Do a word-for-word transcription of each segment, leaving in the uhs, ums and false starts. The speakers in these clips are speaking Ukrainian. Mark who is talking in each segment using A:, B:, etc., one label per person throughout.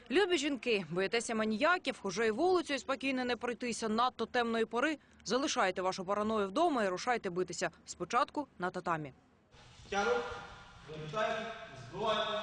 A: Любі жінки, боїтеся маніяків, уже і вулицею спокійно не пройтися надто темної пори. Залишайте вашу параною вдома і рушайте битися. Спочатку на татамі.
B: Тягнуть, завітають, збивають.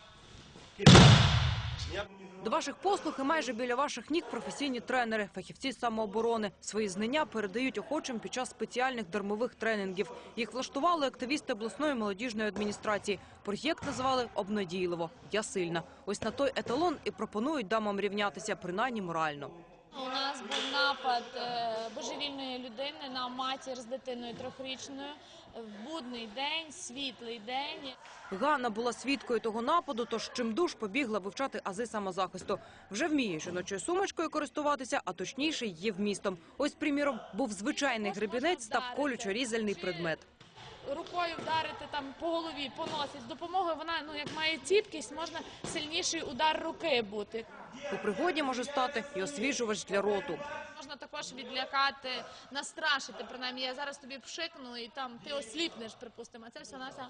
A: До ваших послуг і майже біля ваших ніг професійні тренери, фахівці з самооборони. Свої знання передають охочим під час спеціальних дармових тренінгів. Їх влаштували активісти обласної молодіжної адміністрації. Проєкт назвали обнадійливо «Я сильна». Ось на той еталон і пропонують дамам рівнятися, принаймні морально.
C: У нас був напад божевільної людини на матір з дитиною трьохрічною в будний день, світлий день.
A: Ганна була свідкою того нападу, тож чимдуж побігла вивчати ази самозахисту. Вже вміє жіночою сумочкою користуватися, а точніше її вмістом. Ось, приміром, був звичайний гребінець, став колючо-різальний предмет.
C: Рукою вдарити там по голові, по носі. З допомогою вона, ну, як має ціпкість, можна сильніший удар руки бути.
A: У пригоді може стати і освіжувач для роту.
C: Можна також відлякати, настрашити, принаймні, я зараз тобі пшикну і там ти осліпнеш, припустимо. Це все нася.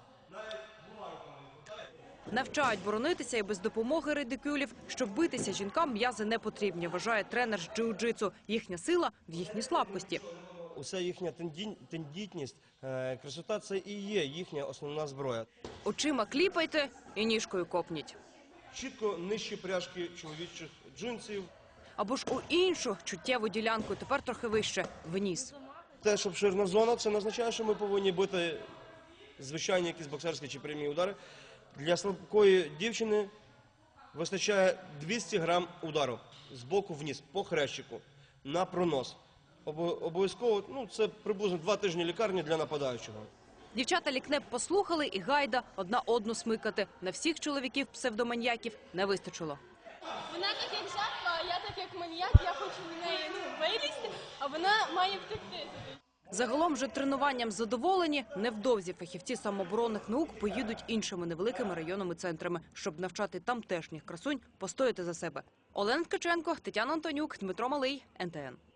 A: Навчають боронитися і без допомоги редикюлів. Щоб битися, жінкам м'язи не потрібні, вважає тренер з джиу-джитсу. Їхня сила в їхній слабкості.
B: Уся їхня тендітність, красота – це і є їхня основна зброя.
A: Очима кліпайте і ніжкою копніть.
B: Чітко нижчі пряжки чоловічих джинсів.
A: Або ж у іншу чуттєву ділянку, тепер трохи вище, в ніс.
B: Те, що обширна зона, це не означає, що ми повинні бити звичайні якісь боксерські чи прямі удари. Для слабкої дівчини вистачає двісті грам удару з боку вниз, по хрещику, на пронос. Обов'язково, ну, це приблизно два тижні лікарні для нападаючого.
A: Дівчата лікнеп послухали і гайда одна одну смикати. На всіх чоловіків псевдоманьяків не вистачило.
D: Вона так як жертва, а я так як маніяк, я хочу в неї ну, вилізти, а вона має втекти.
A: Загалом же тренуванням задоволені. Невдовзі фахівці самооборонних наук поїдуть іншими невеликими районними центрами, щоб навчати тамтешніх красунь постояти за себе. Олена Ткаченко, Тетяна Антонюк, Дмитро Малий, ен те ен.